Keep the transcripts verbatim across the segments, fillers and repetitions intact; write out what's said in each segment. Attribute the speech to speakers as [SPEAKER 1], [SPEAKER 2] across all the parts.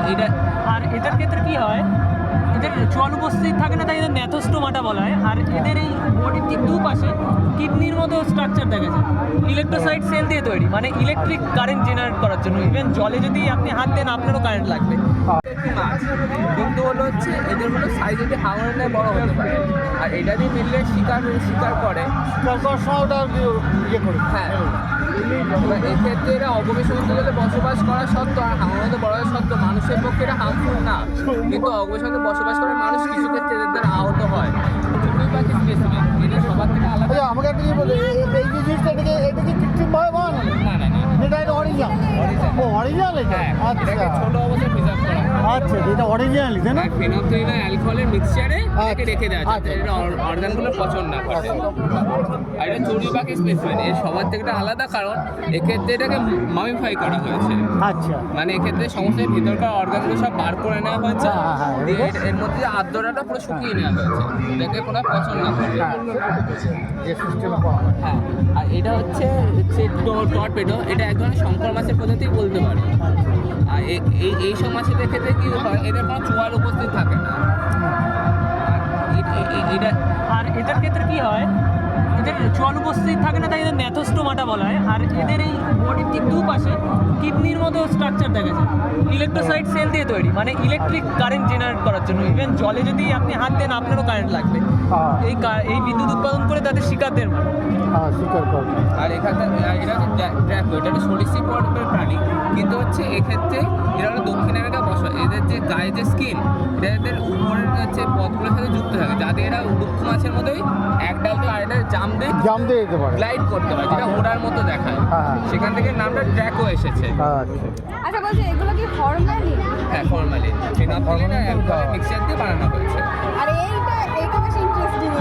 [SPEAKER 1] এটা
[SPEAKER 2] আর এদের ক্ষেত্রে কি হয়, এদের চল উপস্থিত থাকে না, তাই এদের ন্যাথোস্টোমাটা বলা হয়। আর এদের এই বডির ঠিক দুপাশে কিডনির মতো স্ট্রাকচার দেখা যায়, ইলেকট্রোসাইট সেল দিয়ে তৈরি, মানে ইলেকট্রিক কারেন্ট জেনারেট করার জন্য। ইভেন জলে যদি আপনি হাত দেন আপনারও কারেন্ট লাগবে।
[SPEAKER 1] একটি মাছ, কিন্তু হলো হচ্ছে এদের হলো সাইজ যদি হাঙরের ন্যায় বড় হতে পারে। আর এটা দিয়ে মিললে শিকার শিকার করে।
[SPEAKER 3] ইয়ে করে
[SPEAKER 1] হ্যাঁ, এবার এক্ষেত্রে এরা অবকাশ অঞ্চলে বসবাস করা সত্ত্বেও আর হাঙরের বড় হওয়া সত্ত্বেও মানুষের পক্ষে এটা হার্মফুল না, কিন্তু অবকাশ অঞ্চলে বসবাস করে মানুষ কিছু ক্ষেত্রে এদের দ্বারা আহত হয়। চড়ুই পাখি স্পেসিমেন এটা সবার থেকে আলাদা।
[SPEAKER 3] আচ্ছা, আমাকে একটা জিনিস বলে, এই এই যে জিনিসটা এটাকে এটা কি কৃত্রিমভাবে বানানো?
[SPEAKER 1] না না না,
[SPEAKER 3] এটা এটা অরিজিনাল। ও অরিজিনাল এটা?
[SPEAKER 1] হ্যাঁ,
[SPEAKER 3] আচ্ছা
[SPEAKER 1] এটাকে ছোট অবস্থায় প্রিজার্ভ করা হয়।
[SPEAKER 3] আচ্ছা, এটা অরিজিনালই তাই না?
[SPEAKER 1] ফেনফথেলিন অ্যালকোহলের মিক্সচারে এটাকে
[SPEAKER 3] আচ্ছা,
[SPEAKER 1] রেখে দেওয়া যাতে
[SPEAKER 3] আচ্ছা।
[SPEAKER 1] এটা অর্গানগুলো পচন না করে। আর এটা চড়ুই পাখি স্পেসিমেন এর সবার থেকে একটা আলাদা, কারণ এক্ষেত্রে এটাকে মামিফাই করা হয়েছে।
[SPEAKER 3] আচ্ছা
[SPEAKER 1] মানে এক্ষেত্রে সমস্ত ভিতরকার অর্গানগুলো সব বার করে নেওয়া হয়েছে,
[SPEAKER 3] হ্যাঁ, হ্যাঁ, হ্যাঁ।
[SPEAKER 1] দিয়ে এর- এর মধ্যে যে আর্দ্রতাটা পুরো শুকিয়ে নেওয়া হয়েছে, এটাকে কোনো পচন না করে।
[SPEAKER 3] যে সিস্টেম করা
[SPEAKER 1] হ্যাঁ, আর এটা হচ্ছে হচ্ছে টর্পেডো, এটা এক ধরনের শঙ্কর মাছের প্রজাতি বলতে পারে। আর এ- এই এই সব মাছের ক্ষেত্রে কি হয়, এদের কোনো চোয়াল উপস্থিত থাকে না। আর এ- এ- এ- এটা
[SPEAKER 2] আর এদের ক্ষেত্রে কি হয়, এদের চল উপস্থিত থাকে না, তাই এদের ন্যাথোস্টোমাটা বলা হয়। আর এদের এই বডির ঠিক দুপাশে কিডনির মতো স্ট্রাকচার দেখা যায়, ইলেকট্রোসাইট সেল দিয়ে তৈরি, মানে ইলেকট্রিক কারেন্ট জেনারেট করার জন্য। ইভেন জলে যদি আপনি হাত দেন আপনারও কারেন্ট লাগবে।
[SPEAKER 3] হ্যাঁ।
[SPEAKER 2] এই কা- এই বিদ্যুৎ উৎপাদন করে তাদের শিকারদের মারে।
[SPEAKER 3] হ্যাঁ স্বীকার কর।
[SPEAKER 1] আর এখানে এটা হচ্ছে ড্র্যাকো, এটা একটা সরীসৃপ পর্বের প্রাণী, কিন্তু হচ্ছে এক্ষেত্রে এরা হলো দক্ষিণ আমেরিকা বসবাস। এদের যে গায়ে যে স্কিন, এটা এদের উপরের হচ্ছে পথগুলোর সাথে যুক্ত থাকে, যাতে এরা দুঃখ মাছের মতোই এক ডাল থেকে আরেকটা জাম দিয়ে
[SPEAKER 3] জাম দিয়ে যেতে পারে।
[SPEAKER 1] গ্লাইড করতে পারে, যেটা ওড়ার মতো দেখায়।
[SPEAKER 3] হ্যাঁ।
[SPEAKER 1] সেখান থেকে নামটা ড্র্যাকো এসেছে।
[SPEAKER 3] আচ্ছা
[SPEAKER 4] আচ্ছা বলছি, এগুলো কি ফর্মালিন?
[SPEAKER 1] হ্যাঁ, ফর্মালি ফেনফথেলিন আর অ্যালকোহলের মিক্সচার দিয়ে বানানো হয়েছে।
[SPEAKER 4] আর এইটা এইটা বেশ ইন্টারেস্টিং।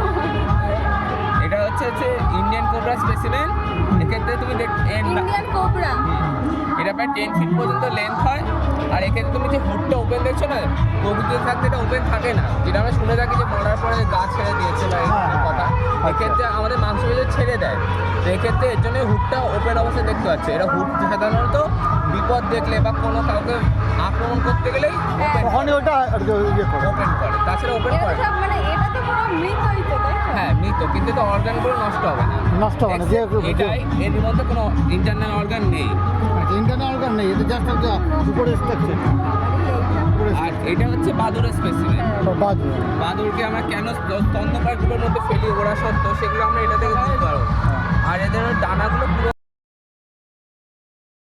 [SPEAKER 1] এটা হচ্ছে হচ্ছে ইন্ডিয়ান কোবরা স্পেসিমেন। এক্ষেত্রে তুমি দেখ এর না-
[SPEAKER 4] ইন্ডিয়ান কোবরা।
[SPEAKER 1] হুম, এটা প্রায় টেন ফিট পর্যন্ত লেন্থ হয়। আর এক্ষেত্রে তুমি যে হুডটা ওপেন দেখছো না, প্রকৃতিতে থাকতে এটা ওপেন থাকে না, যেটা আমরা শুনে থাকি যে মরার পরে যে গাছ ছেড়ে দিয়েছে বা
[SPEAKER 3] হ্যাঁ,
[SPEAKER 1] এরকম কথা। এক্ষেত্রে আমাদের মাংস পেশি ছেড়ে দেয়, তো এক্ষেত্রে এর জন্য হুডটা ওপেন অবস্থায় দেখতে পাচ্ছে। এরা হুড সাধারণত বিপদ দেখলে বা কোনো কাউকে আক্রমণ করতে গেলেই
[SPEAKER 3] ওখানে ওটা আর কি ইয়ে করে।
[SPEAKER 1] ওপেন করে, তাছাড়া ওপেন
[SPEAKER 4] এটা
[SPEAKER 1] করে না।
[SPEAKER 4] সব মানে এটা তো পুরো মৃতই তো, তাই না?
[SPEAKER 1] হ্যাঁ, মৃত, কিন্তু এটা অর্গানগুলো নষ্ট হবে না।
[SPEAKER 3] নষ্ট হবে না, যে-
[SPEAKER 1] এটাই এর মধ্যে কোনো ইন্টারনাল অর্গান নেই।
[SPEAKER 3] ইন্টারনাল অর্গান নেই, এটা জাস্ট একটা উপরে স্ট্রাকচার।
[SPEAKER 1] আর এটা হচ্ছে বাদুরের স্পেসিমেন।
[SPEAKER 3] বাজু
[SPEAKER 1] বাদুরকে আমরা কেন স্তন্যপায়ীগুলোর মধ্যে ফেলি ওরা সত্ত্বেও, সেগুলো আমরা এটা থেকে বুঝতে পারবো। আর এদের ডানাগুলো পুরো